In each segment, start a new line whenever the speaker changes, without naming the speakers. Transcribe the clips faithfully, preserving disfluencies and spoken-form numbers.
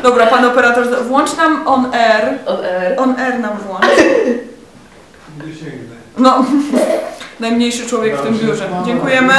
Dobra, pan operator, włącz nam on air.
On air.
On air nam włącz. No, najmniejszy człowiek w tym biurze. Dziękujemy.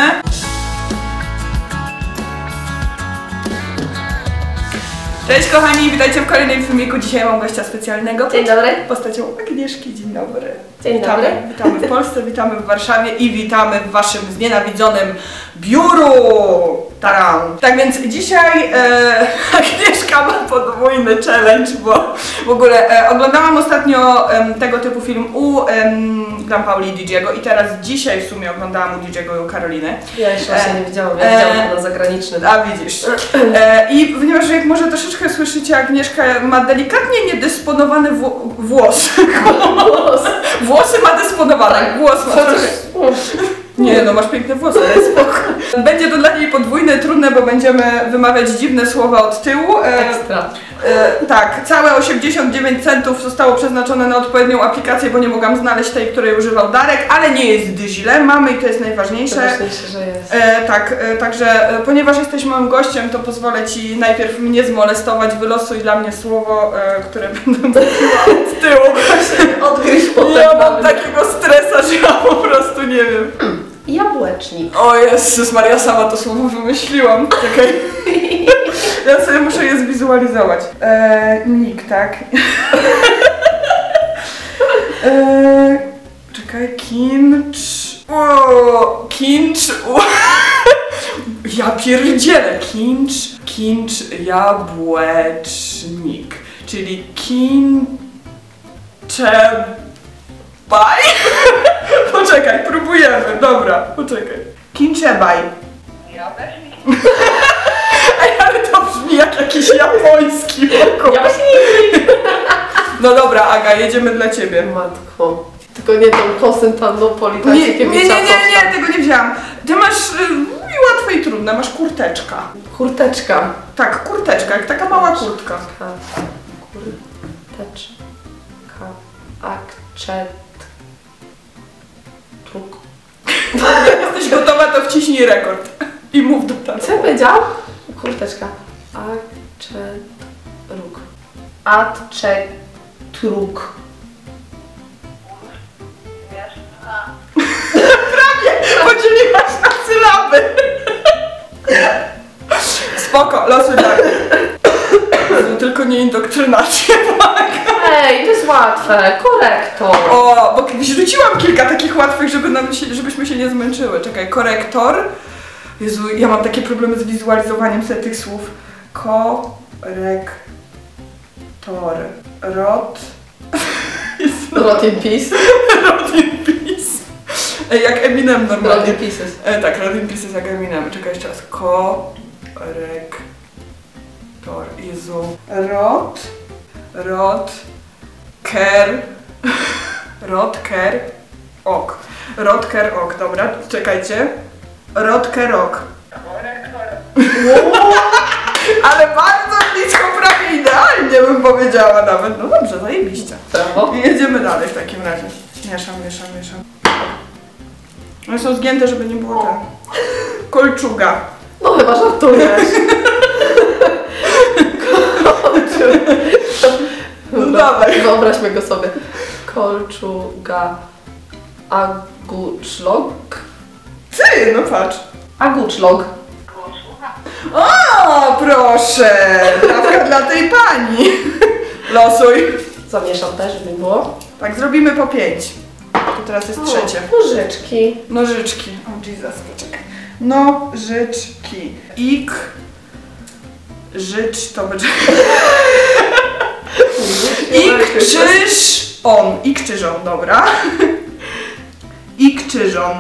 Cześć kochani, witajcie w kolejnym filmiku. Dzisiaj mam gościa specjalnego.
Dzień dobry.
Postacią Agnieszki. Dzień dobry.
Dzień
witamy,
dobry.
Witamy w Polsce, witamy w Warszawie i witamy w waszym znienawidzonym biuru. Taram. Tak więc dzisiaj e, Agnieszka ma podwójny challenge, bo w ogóle e, oglądałam ostatnio e, tego typu film u e, Gram Pauli i Didiego i teraz dzisiaj w sumie oglądałam u Didiego i u Karoliny.
Ja jeszcze właśnie e, nie widziałam, ja widziałam e, na zagranicznym. A
widzisz. E, I ponieważ jak może troszeczkę słyszycie, Agnieszka ma delikatnie niedysponowany wło włos.
Włos.
Włosy ma dysponowane, tak, głos ma trochę. Nie no, masz piękne włosy, ale spoko. Będzie to dla niej podwójne, trudne, bo będziemy wymawiać dziwne słowa od tyłu. E,
Ekstra.
E, tak, całe osiemdziesiąt dziewięć centów zostało przeznaczone na odpowiednią aplikację, bo nie mogłam znaleźć tej, której używał Darek, ale nie jest źle, mamy i to jest najważniejsze.
Najważniejsze, że jest.
E, tak, e, także e, ponieważ jesteś moim gościem, to pozwolę Ci najpierw mnie zmolestować, wylosuj dla mnie słowo, e, które będę mówiła od tyłu.
Odgryź potem.
Ja mam takiego stresa, że ja po prostu nie wiem.
Jabłecznik.
O Jezus Maria, sama to słowo wymyśliłam. Czekaj. Ja sobie muszę je zwizualizować. Eee, Nick, tak? eee, czekaj, kincz... O, kincz... O, ja pierdzielę. Kincz, kincz, jabłecznik. Czyli kincze... Baj? Poczekaj, próbujemy. Dobra, poczekaj. Kinczebaj. Ja też mi. Ej, ale to brzmi jak jakiś japoński.
Japoński.
No dobra, Aga, jedziemy dla ciebie.
Matko. Tylko nie tą Konstantynopoli,
nie, nie, nie, nie, nie, nie, tego nie wzięłam. Ty masz y, łatwe i trudne, masz kurteczka.
Kurteczka.
Tak, kurteczka, jak taka mała kurtka.
Kurteczka. Akcet. Truk.
Jak jesteś gotowa, to wciśnij rekord. I mów do tego.
Co ja powiedziałam? Kurteczka. Acet. Ruk. Acet. Truk.
Prawie! Podzieliłaś na sylaby. Spoko, losuj dalej. Tylko nie indoktrynacja.
Ej, to jest łatwe. Korektor.
O, bo rzuciłam kilka takich łatwych, żeby nam się, żebyśmy się nie zmęczyły. Czekaj, korektor. Jezu, ja mam takie problemy z wizualizowaniem sobie tych słów. Korektor. Rot.
Rot in peace.
Rot in peace. Ej, jak Eminem normalnie.
Rot in pieces.
E, tak, Rot in pieces jak Eminem. Czekaj jeszcze raz. Korektor. Jezu. Rot. Rot. Ker. Rotker. Ok. Rotker ok, dobra, czekajcie. Rotker ok. Ale bardzo blisko, prawie idealnie bym powiedziała nawet. No dobrze, zajebiście.
Brawo.
I jedziemy dalej w takim razie. Mieszam, mieszam, mieszam. One są zgięte, żeby nie było ten. Kolczuga.
No chyba żartujesz.
No dawaj.
Wyobraźmy go sobie. Kolczuga. Aguczlog.
Ty, no patrz.
Aguczlog.
O, proszę! Prawka dla tej pani. Losuj.
Zamieszam też, żeby było.
Tak, zrobimy po pięć. To teraz jest trzecie.
Nożyczki.
Nożyczki. O Jesus, poczekaj. Nożyczki. Ik. Życz to będzie... Ik czyż on. Ik czyżon, dobra. Ik czyżon.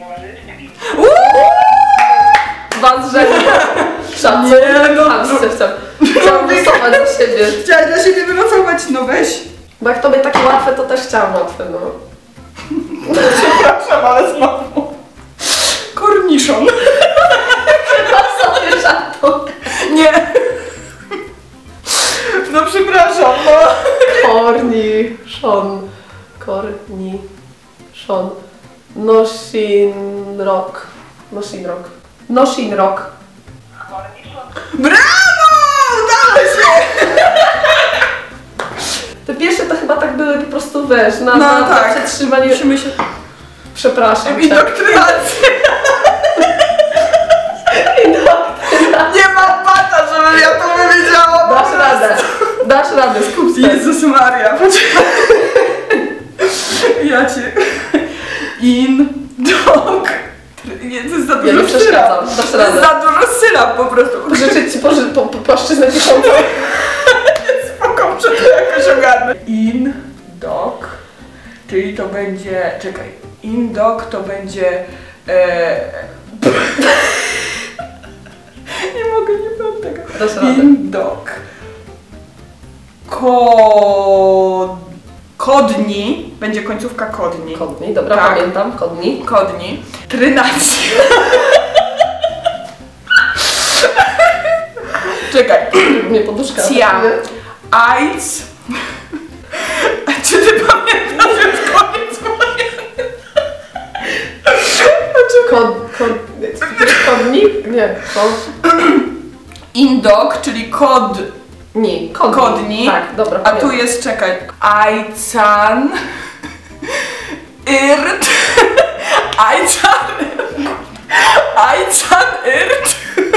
Dwa z rzędu. Szacunek.
Nie, no,
Chciałam wylosować za siebie.
Chciałaś dla siebie wylosować, no weź.
Bo jak tobie takie łatwe, to też chciałam łatwe, no.
Przepraszam, ale znowu. Korniszon.
Chyba sobie żartu.
Nie. No przepraszam, no.
Korniszon. Korniszon. Nosinrok. Nosinrok. Nosinrok.
Brawo! Udało się!
wiesz, na,
No
na,
tak.
na przetrzymanie...
Musimy się...
Przepraszam.
Indoktrynacja. Nie mam bata, żebym ja to powiedziała.
Dasz radę, dasz radę, skup się.
Jezus Maria, poczekaj. Ja cię... In... Dog... Nie, to jest za
Ja
dużo
nie
sylab.
przeszkadzam, dasz
To jest
radę.
za dużo sylab po prostu.
Życzę ci poży, po, po, płaszczyznę tysiąca.
Spoko, muszę to jakoś ogarnąć. In... Dog... Czyli to będzie... Czekaj. In dog to będzie... E... nie mogę, nie mam tego.
Dasz radę.
In dog. Ko... Kodni. Będzie końcówka kodni.
Kodni, dobra,
Tak.
pamiętam, kodni.
Kodni. Trynacja. Czekaj.
Nie poduszka.
Cia. Ajc. A czy ty pamiętasz już koniec mojego?
Kod, kod, kodnik? Nie, kod.
Indok, czyli kod.
Nie, kodni.
Kodni.
Tak, dobra.
A
pamiętam.
tu jest, czekaj. Ajcan. Irt. Ajcan. Ajcan Irt.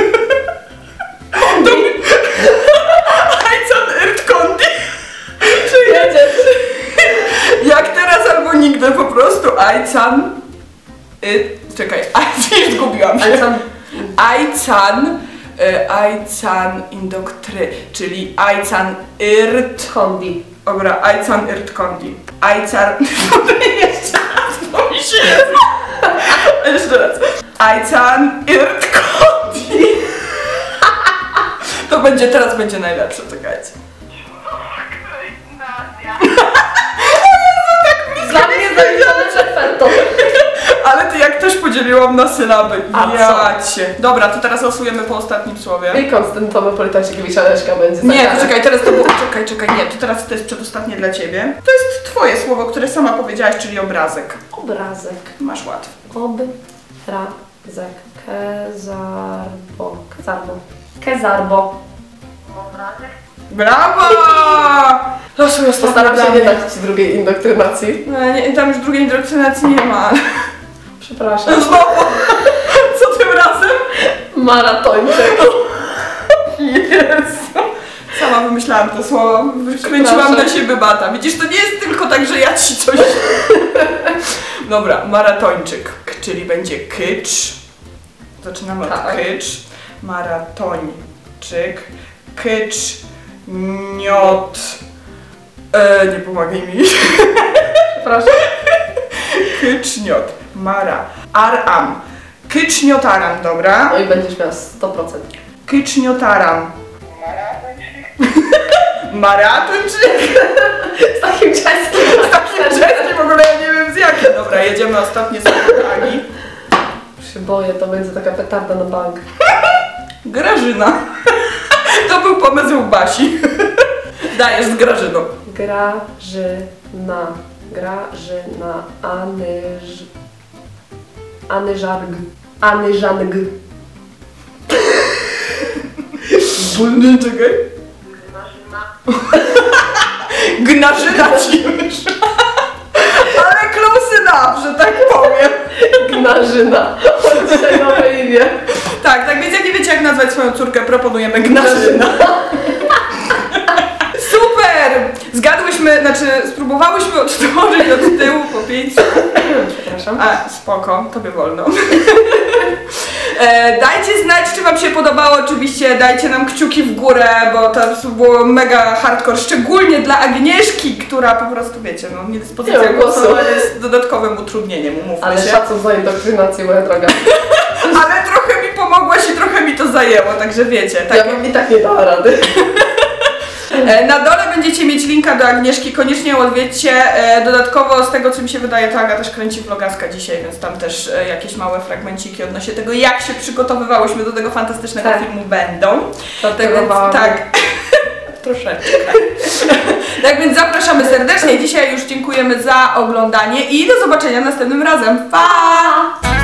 Ajcan Irt Kondi. Czy jedziesz? Jak teraz albo nigdy po prostu. Ajcan. Y, czekaj, Ajcan zgubiłam się.
Ale sam...
Ajcan. y, Ajcan Indoktry, czyli Ajcan Irt.
Kondi.
Dobra, Ajcan Irt Kondi. Ajcan... Jeszcze raz, bo mi się jest. Jeszcze raz. Ajcan Irt Kondi. To będzie, teraz będzie najlepsze, czekajcie.
Dla mnie zaliczone perfetto.
Ale ty jak też podzieliłam na sylaby.
A co?
Ja cię. Dobra, to teraz losujemy po ostatnim słowie.
I konstantowy Politechnik Leszka będzie
Nie,
zagrany.
to czekaj, teraz to było... Czekaj, czekaj, nie, to teraz to jest przedostatnie dla ciebie. To jest twoje słowo, które sama powiedziałaś, czyli obrazek.
Obrazek.
Masz łatwo.
Obrazek. Kezarbo. Kezarbo. Kezarbo.
Brawo! Losuj ostatnie
Postaram
dla
się nie
mnie.
dać ci drugiej indoktrynacji.
No, nie, tam już drugiej indoktrynacji nie ma.
Przepraszam.
Znowu! Co tym razem?
Maratończyk.
Jezu! Sama wymyślałam to słowo. Kręciłam na siebie bata. Widzisz, to nie jest tylko tak, że ja ci coś... Dobra, maratończyk. K, czyli będzie kycz. Zaczynamy
Tak.
od kycz. Maratończyk. Kycz. Niot. E, nie pomagaj mi.
Przepraszam.
Kyczniot. Mara. Aram. Kyczniotaram, dobra?
No i będziesz miała sto procent.
Kyczniotaram. Maratończyk.
Z takim czeskim.
Z takim czeskim w ogóle ja nie wiem z jakim. Dobra, jedziemy ostatnie słowo Ani.
Się boję, to będzie taka petarda na bank.
Grażyna. To był pomysł Basi. Dajesz z Grażyną.
Grażyna. Grażyna. Anyż... Anyżarg. Anyżang.
Bulny, czekaj. Gnarzyna ci już. Ale close enough, że tak powiem.
Gnarzyna. Dzisiaj nowe imię.
Tak, tak więc jak nie wiecie jak nazwać swoją córkę, proponujemy Gnarzyna. Super! Zgadłyśmy, znaczy spróbowałyśmy odtworzyć od tyłu po pięć.
Przepraszam.
A, spoko, tobie wolno. E, dajcie znać, czy wam się podobało, oczywiście dajcie nam kciuki w górę, bo to było mega hardcore, szczególnie dla Agnieszki, która po prostu, wiecie, no niedyspozycja
Nie ma głosu.
głosowa jest dodatkowym utrudnieniem, umówmy
Ale
się.
szacun za indoktrynację, moja droga.
Ale trochę mi pomogłaś i trochę mi to zajęło, także wiecie. Tak.
Ja bym i tak nie dała rady.
E, Na dole będziecie mieć linka do Agnieszki, koniecznie ją odwiedźcie. E, Dodatkowo z tego co mi się wydaje, to Aga też kręci vlogaska dzisiaj, więc tam też e, jakieś małe fragmenciki odnośnie tego, jak się przygotowywałyśmy do tego fantastycznego
Tak.
filmu będą. Tak, więc,
Żartowałam.
tak. Troszeczkę. Tak więc zapraszamy serdecznie. Dzisiaj już dziękujemy za oglądanie i do zobaczenia następnym razem. Pa!